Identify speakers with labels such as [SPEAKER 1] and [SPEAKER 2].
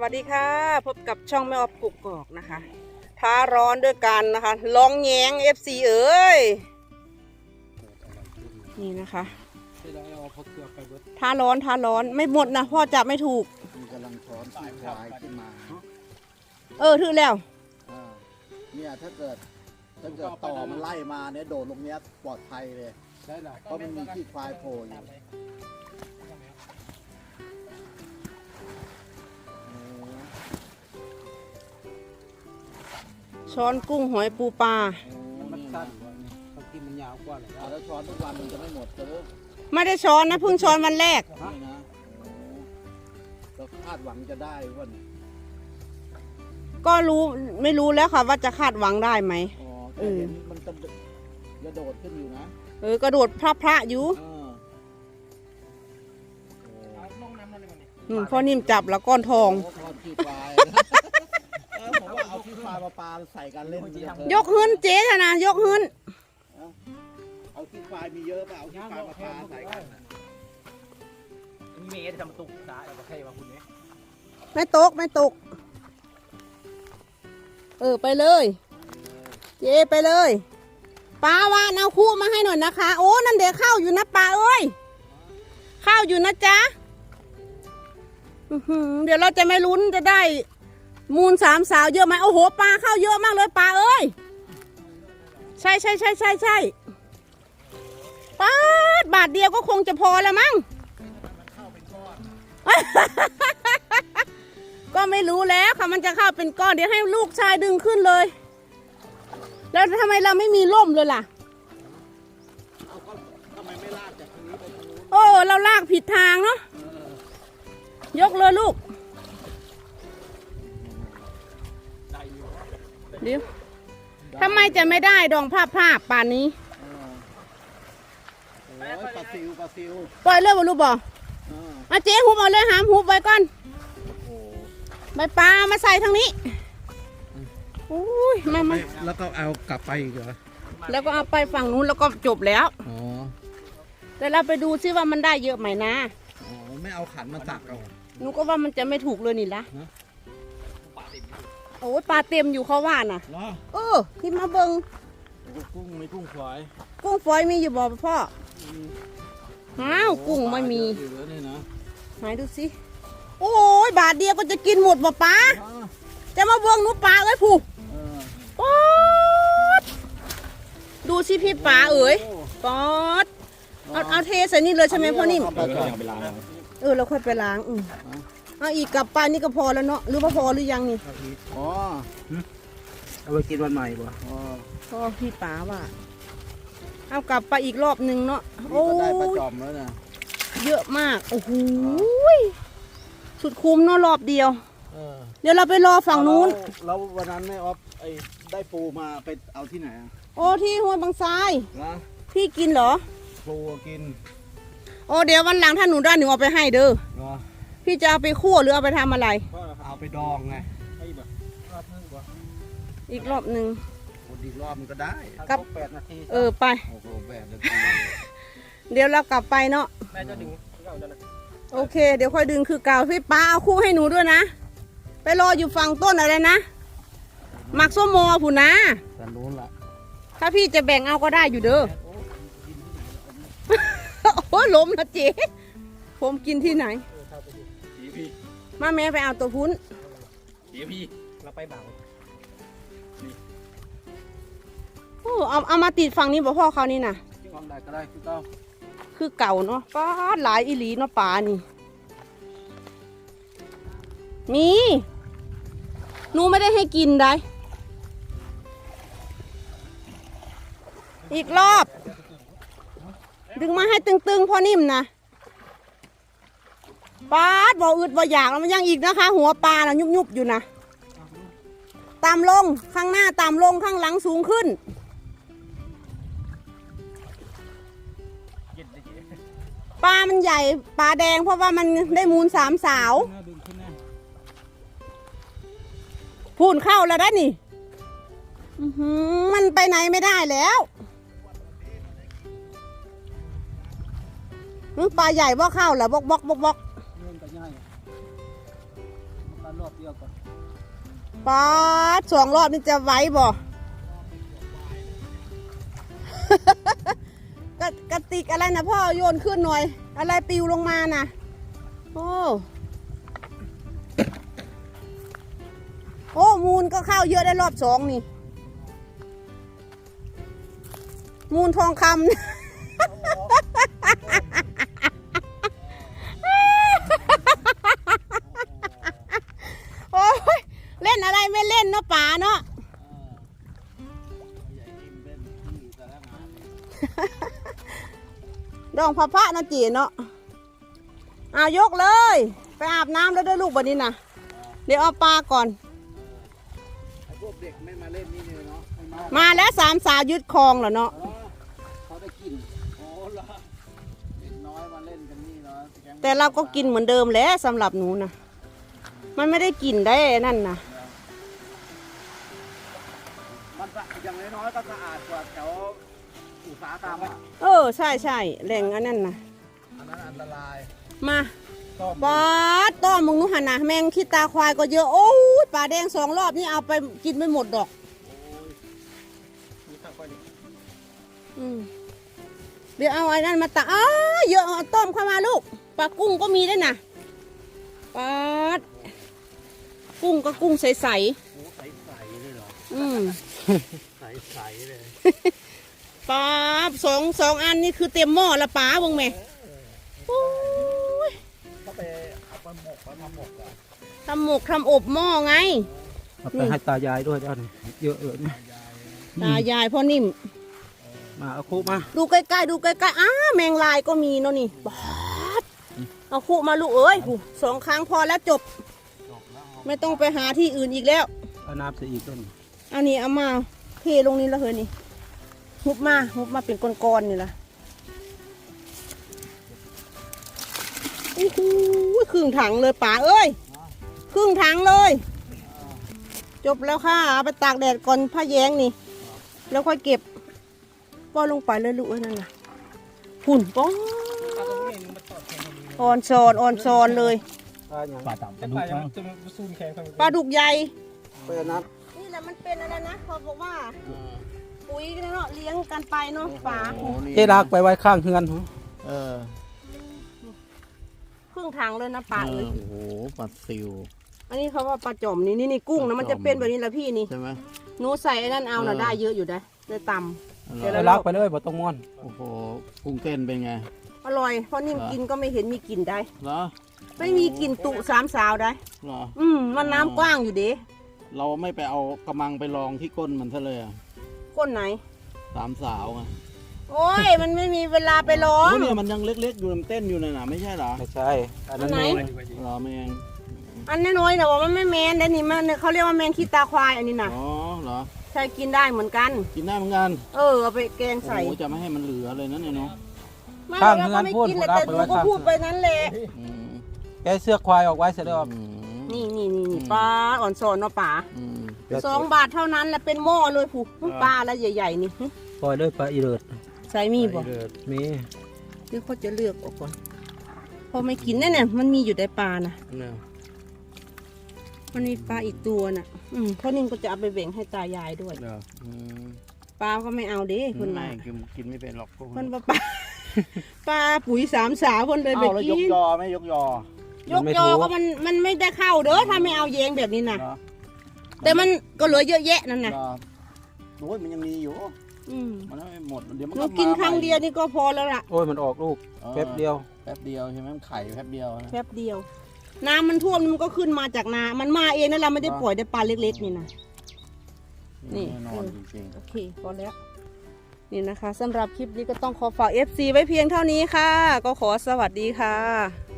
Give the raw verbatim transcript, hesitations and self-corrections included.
[SPEAKER 1] วัสดีค่ะพบกับช่องแม่ออฟกุกกอกนะคะท้าร้อนด้วยกันนะคะลองแยง เอฟ ซี เอ๋ยนี่นะคะท้าร้อนท้าร้อนไม่หมดนะพ่อจับไม่ถูก
[SPEAKER 2] มีกำลังช้อนขี้ควายขึ้นมา
[SPEAKER 1] เออถือแล้ว
[SPEAKER 2] เนี่ยถ้าเกิดถ้าเกิดต่อมันไล่มาเนี่ยโดดลงเนี้ยปลอดภัยเลยเพราะมันมีขี้ควายโผล่อยู่
[SPEAKER 1] ช้อนกุ้งหอยปูปลา
[SPEAKER 2] มันสั้นบางทีมันยาวกว่าเลยแล้วช้อนทุกวันมันจะไม่หมดเลย
[SPEAKER 1] ไม่ได้ช้อนนะเพิ่งช้อนวันแรก
[SPEAKER 2] นี่นะเราคาดหวังจะได้ว่า
[SPEAKER 1] ก็รู้ไม่รู้แล้วค่ะว่าจะคาดหวังได้ไหม
[SPEAKER 2] เออมันจะกระโดดขึ้นอยู่นะ
[SPEAKER 1] เออกระโดดพระพระอยู่นุ่นพ่อนิ่มจับแล้วก้อนทอง
[SPEAKER 2] ผมว่าเอาขี้ควายมาปลาใส่กันเล่น
[SPEAKER 1] ยกหื้นเจ๊ธนายกหื้น
[SPEAKER 2] เอาขี้ควายมีเยอะป่ะเอาขี้ควายมาปลาใส่กัน
[SPEAKER 3] มีเมย์จะมาตุกตาเอาไปให้มาคุณเนี่ย
[SPEAKER 1] ไม่ตกไม่ตกเออไปเลยเจ๊ไปเลยปลาวานเอาคู่มาให้หน่อยนะคะโอ้นั่นเดี๋ยวข้าวอยู่นะปลาเอ้ยข้าวอยู่นะจ๊ะเดี๋ยวเราจะไม่ลุ้นจะได้มูลสามสาวเยอะไหมโอ้โหปลาเข้าเยอะมากเลยปลาเอ้ยใช่ใช่ใช่ใช่ใช่ปลาบาทเดียวก็คงจะพอแล้วมั้งก็ไม่รู้แล้วค่ะมันจะเข้าเป็นก้อนเดี๋ยวให้ลูกชายดึงขึ้นเลยแล้วทำไมเราไม่มีร่มเลยล่ะ
[SPEAKER 2] ทำไมไม่ลากจากตรงนี้ไปตรงนู้น
[SPEAKER 1] โอ้เราลากผิดทางเนาะยกเลยลูกเดี๋ยวทำไมจะไม่ได้ดองภาพภาพป่านนี้
[SPEAKER 2] ปลาซิวปลาซิว
[SPEAKER 1] ปล่อยเลยบอลูกบอเอาเจ๊หุบเอาเลยหามหุบไว้ก่อนใบปลามาใส่ทางนี้อุ้ยมามา
[SPEAKER 2] แล้วก็เอากลับไปอีกเหรอ
[SPEAKER 1] แล้วก็เอาไปฝั่งนู้นแล้วก็จบแล้วอ๋อแต่เราไปดูซิว่ามันได้เยอะไหมนะ
[SPEAKER 2] อ๋อไม่เอาขันมาตักเอา
[SPEAKER 1] หนูก็ว่ามันจะไม่ถูกเลยนี่ละโอ้ยปลาเต็มอยู่เขาว่าน่ะเออที่มาเบิ้ง
[SPEAKER 2] กุ้งไม่กุ้งฝอย
[SPEAKER 1] กุ้งฝอยมีอยู่บ่พ่ออ้าวกุ้งไม่มีไหนดูสิโอ้ยบาทเดียวก็จะกินหมดบ่ปลาจะมาเบิ้งหนูปลาเอ้ยผูป๊อดดูสิพี่ปลาเอ๋ยป๊อดเอาเอาเทใส่นี่เลยใช่ไหมพ่อนิ่มเออเราค่อยไปล้างอือเอาอีกกับปลานี่ก็พอแล้วเนาะหรือว่าพอหรือยังนี่
[SPEAKER 2] อ๋อ
[SPEAKER 3] เอาไปกินวันใหม่บ่
[SPEAKER 1] อ๋อพ่อพี่ป๋าว่าเอากลับไปอีกรอบหนึ่งเนาะ
[SPEAKER 2] โอ้ได้ปลาจอมแล้วนะ
[SPEAKER 1] เยอะมากโอ้โหสุดคุ้มเนาะรอบเดียวเดี๋ยวเราไปรอฝั่งนู้น
[SPEAKER 2] แล้ววันนั้นไม่ออฟไอ้ได้ปูมาไปเอาที่ไหนอ่ะ
[SPEAKER 1] โอ้ที่ห้วยบางทราย
[SPEAKER 2] นะ
[SPEAKER 1] พี่กินเหรอ
[SPEAKER 2] ปูกิน
[SPEAKER 1] โอ้เดี๋ยววันหลังถ้าหนูได้หนูเอาไปให้เด้อพี่จะเอาไปคั่วหรือเอาไปทำอะไร
[SPEAKER 2] เอาไปดองไง
[SPEAKER 1] อีกรอบหนึ่ง
[SPEAKER 2] อีกรอบมันก็ได้
[SPEAKER 1] กับ
[SPEAKER 2] แปดนาที
[SPEAKER 1] เออไป
[SPEAKER 2] โอ้โหแปดนาที
[SPEAKER 1] เดี๋ยวเรากลับไปเนาะ
[SPEAKER 3] แม่จะดึง
[SPEAKER 1] โอเคเดี๋ยวค่อยดึงคือเก่าพี่ป้าเอาคู่ให้หนูด้วยนะไปรออยู่ฝั่งต้นอะไรนะหมักส้มโมผู้นะ
[SPEAKER 2] กันนู้นละ
[SPEAKER 1] ถ้าพี่จะแบ่งเอาก็ได้อยู่เด้อโอ้ล้มนะเจ๊ผมกินที่ไหนมาแม่ไปเอาตัวพุ้น
[SPEAKER 3] เดี๋ยวพี่เราไปเบา
[SPEAKER 1] โอ้เอาเอามาติดฝั่งนี้บ่พ่อเขานี่นะ
[SPEAKER 2] ฟังได้ก็ได้คือเก่า
[SPEAKER 1] คือเก่าเนาะป้าหลายอีหลีเนาะป่านี่มีหนูไม่ได้ให้กินได้อีกรอบดึงมาให้ตึงๆพอนิ่มนะปลาบ่อึดบ่อยากแล้วมันยังอีกนะคะหัวปลาน่ะยุบๆอยู่นะตามลงข้างหน้าตามลงข้างหลังสูงขึ้นปลามันใหญ่ปลาแดงเพราะว่ามันได้มูลสามสาวพูนเข้าแล้วได้นี่มันไปไหนไม่ได้แล้วมึงปลาใหญ่บ่เข้าแล้วบกบกบกบก
[SPEAKER 2] ล
[SPEAKER 3] อบเดียวก่อน
[SPEAKER 1] ปาดสองรอบนี่จะไหวบ่ กระกระติกอะไรนะพ่อโยนขึ้นหน่อย อะไรปลิวลงมาน่ะโอ้โอ้มูลก็เข้าเยอะได้รอบสองนี่ มูลทองคำ โอ้ยเล่นอะไรไม่เล่นเนาะป๋าเนาะ ดองพระพระนะจีเนาะเอายกเลย ไปอาบน้ำแล้วด้วยลูกบันนี้นะเดี๋ยวเอาปลาก่อน
[SPEAKER 2] ไอ้พวกเด็กไม่มาเล่นนี่เลยเนาะไม่มา
[SPEAKER 1] มาแล้วสามสาวยึดคลองเหรอเนาะ
[SPEAKER 2] อ๋อเขาได้กินโอ้ล่ะเด็กน้อยมาเล่นกันนี่เนาะก๊ง
[SPEAKER 1] แต่เราก็กินเหมือนเดิมแหล้วสำหรับหนูนะมันไม่ได้กินได้นั่นนะ
[SPEAKER 2] มันสะอย่างน้อยๆก็สะอาดกว่าแถวอุตสาหกรรมอะ
[SPEAKER 1] เออใช่ใช่แหล่งอันนั้นนะ
[SPEAKER 2] อันนั้นอันตราย
[SPEAKER 1] มา
[SPEAKER 2] ต้ม
[SPEAKER 1] ปลาต้อมมึงนู้หันนะแมงขี้ตาควายก็เยอะโอ้ยปลาแดงสองรอบนี่เอาไปกินไม่หมดดอก
[SPEAKER 3] มีข้าวก้อยดิ
[SPEAKER 1] อืมเดี๋ยวเอาไอ้นั่นมาตักอ้าเยอะเอาต้มเข้ามาลูกปลากุ้งก็มีด้วยนะปลาดกุ้งก็กุ้งใส
[SPEAKER 2] หมูใสๆเลยเหรอ
[SPEAKER 1] ๆอืม
[SPEAKER 2] ใสๆเลย
[SPEAKER 1] ปลาสองสองอันนี่คือเต็มหม้อละปลาบงแม่โอ้ย
[SPEAKER 2] เขาไปเอาไปหมกเขาทำหมกอ่ะ
[SPEAKER 1] ทำหมกทำอบหม้อไง
[SPEAKER 3] เอาไปให้ตายายด้วยเจ้านี่เยอะเลยนะ
[SPEAKER 1] ตายายพ่อนิ่ม
[SPEAKER 3] มาเอาคุมา
[SPEAKER 1] ดูใกล้ๆดูใกล้ๆอ้าแมงลายก็มีเนาะนี่ปาดเอาคู่มาลูกเอ้ยหูสองครั้งพอแล้วจบ ไม่ต้องไปหาที่อื่นอีกแล้ว
[SPEAKER 3] เอาน้ำใส่อีกต้น
[SPEAKER 1] อันนี้เอามาเทลงนี้แล้วเฮ้ยนี่หุบมาหุบมาเป็นก้อนๆนี่ละโอ้โหครึ่งถังเลยป๋าเอ้ยครึ่งถังเลย จบแล้วค่ะเอาไปตากแดดก่อนผ้าแยงนี่ แล้วค่อยเก็บป้อนลงไปเลยลูกเอ้ยนั่นน่ะหุ่นป้อนอ่อนซอนอ่อนซอนเลย
[SPEAKER 3] ปลาอย่างปลาต่ำปลาดุกมั้งจะมาซูนแข็ง
[SPEAKER 1] ปลาดุกใหญ่
[SPEAKER 2] เปิดน้
[SPEAKER 1] นี่แหละมันเป็นอะไรนะเขาบอกว่าปุ๋ยเนาะเลี้ยงกันไปเนาะป๋า
[SPEAKER 2] ำโอ้นี่
[SPEAKER 3] เจ๊ดักไปไว้ข้างเฮือน
[SPEAKER 2] เออ
[SPEAKER 1] ครึ่งถังเลยนะป๋า
[SPEAKER 2] เอ
[SPEAKER 1] เอ้
[SPEAKER 2] อย โอ้โหปลาซิว
[SPEAKER 1] อันนี้เขาว่าปลาจอมนี่นี่นี่กุ้งนะมันจะเป็นแบบนี้แหละพี่นี่
[SPEAKER 2] ใช่ไหม
[SPEAKER 1] หนูใส่ไอ้นั่นเอาน่ะ
[SPEAKER 2] เออ
[SPEAKER 1] ได้เยอะอยู่ได้ได้ต เดี๋ยว
[SPEAKER 3] ไป
[SPEAKER 1] เรา
[SPEAKER 3] ลักไปเลยบ่ต้องม้วน
[SPEAKER 2] โอ้โหกุ้งเต้นเป็นไง
[SPEAKER 1] ำอร่อยเพราะนิ่มกินก็ไม่เห็นมีกลิ่นได้
[SPEAKER 2] เหรอ
[SPEAKER 1] ไม่มีกลิ่นตุสามสาวได้
[SPEAKER 2] เหรอ
[SPEAKER 1] อืมมันน้ำกว้างอยู่เด้
[SPEAKER 2] เราไม่ไปเอากระมังไปลองที่ก้นมันซะเลยอะ
[SPEAKER 1] ก้นไหน
[SPEAKER 2] สามสาวไง
[SPEAKER 1] โอ้ยมันไม่มีเวลาไปร้อง
[SPEAKER 2] โอ้เนี่ยมันยังเล็กๆอยู่มันเต้นอยู่เลยนะไม่ใช่เหรอ
[SPEAKER 3] ไม่ใช่อันนั้น
[SPEAKER 1] อันไหน
[SPEAKER 3] น้อย
[SPEAKER 2] เหรอแมง
[SPEAKER 1] อันน้อยๆแต่ว่ามันไม่แมนแต่นี่มันเขาเรียกว่าแมนขี้ตาควายอันนี้น่ะ
[SPEAKER 2] อ๋อเหรอ
[SPEAKER 1] ใช่กินได้เหมือนกัน
[SPEAKER 2] กินได้เหมือนกัน
[SPEAKER 1] เออเอาไปแกง
[SPEAKER 2] โอ้
[SPEAKER 1] ใส่
[SPEAKER 2] โหจะไม่ให้มันเหลือเลยนะเนี่ยเนาะ
[SPEAKER 1] ไม่เราก็ไม่กินเลยแต่หนูก็พูดไปนั้นแหละ
[SPEAKER 2] อืม
[SPEAKER 3] แกเสื้อควายออกไว้เสร็จแล้ว
[SPEAKER 2] อืม
[SPEAKER 1] นี่นี่นี่นี่ปลาอ่อนสอนเนาะป๋า
[SPEAKER 2] อืม
[SPEAKER 1] สองบาทเท่านั้นแหละเป็นหม้อเลยผูกปลาแล้วใหญ่ๆนี่หึ
[SPEAKER 3] ปล่อยเลยปลาอีเลิศ
[SPEAKER 1] ใส่มีบ่
[SPEAKER 3] อีเลิศมี
[SPEAKER 1] หรือเขาจะเลือกออกก่อนพอไม่กินแน่เนี่ยมันมีอยู่ในปลานะ
[SPEAKER 3] เนี่ย
[SPEAKER 1] มันมีปลาอีกตัวน่ะ อืมพ่อนิ่มก็จะเอาไปแบ่งให้ตายายด้วย
[SPEAKER 3] เดี๋ยว
[SPEAKER 2] อืม
[SPEAKER 1] ปลาก็ไม่เอาเด้คนมา
[SPEAKER 2] ไกินกินไม่เป็นหรอกพวก
[SPEAKER 1] คนปลาปลา ปลาปุ๋ยสามสาวคนเลยไป
[SPEAKER 2] เอาแล้วย
[SPEAKER 1] กิ
[SPEAKER 2] ก
[SPEAKER 1] น
[SPEAKER 2] ยอไม่ยกยอย
[SPEAKER 1] กยอก็มันมันไม่ได้เข้าเด้อถ้าไม่เอาแยงแบบนี้น่ะ
[SPEAKER 2] เหรอ
[SPEAKER 1] แต่มันก็เหลือเยอะแยะนั่นน่ะ
[SPEAKER 2] เหรอโอ้ยมันยังมีอยู่
[SPEAKER 1] อืม
[SPEAKER 2] มันไม่หมดเดี๋ยวมัน
[SPEAKER 1] หนู
[SPEAKER 2] ก็
[SPEAKER 1] กิน
[SPEAKER 2] มา
[SPEAKER 1] ครั้ง
[SPEAKER 2] ใหม่
[SPEAKER 1] เดียวนี่ก็พอแล้วล่ะ
[SPEAKER 3] โอ้ยมันออกลูก
[SPEAKER 2] ออ
[SPEAKER 3] แป๊บเดียว
[SPEAKER 2] แป๊บเดียวใช่ไหมมันไข่แป๊บเดียวนะ
[SPEAKER 1] แป๊บเดียว น้ำมันท่วมมันก็ขึ้นมาจากนา มันมาเองนั่นเราไม่ได้ปล่อยได้ปลาเล็กๆนี่นะนี่
[SPEAKER 2] แน่นอนจริง
[SPEAKER 1] โอเคพอแล้ว นี่นะคะสำหรับคลิปนี้ก็ต้องขอฝาก เอฟ ซี ไว้เพียงเท่านี้ค่ะ ก็ขอสวัสดีค่ะ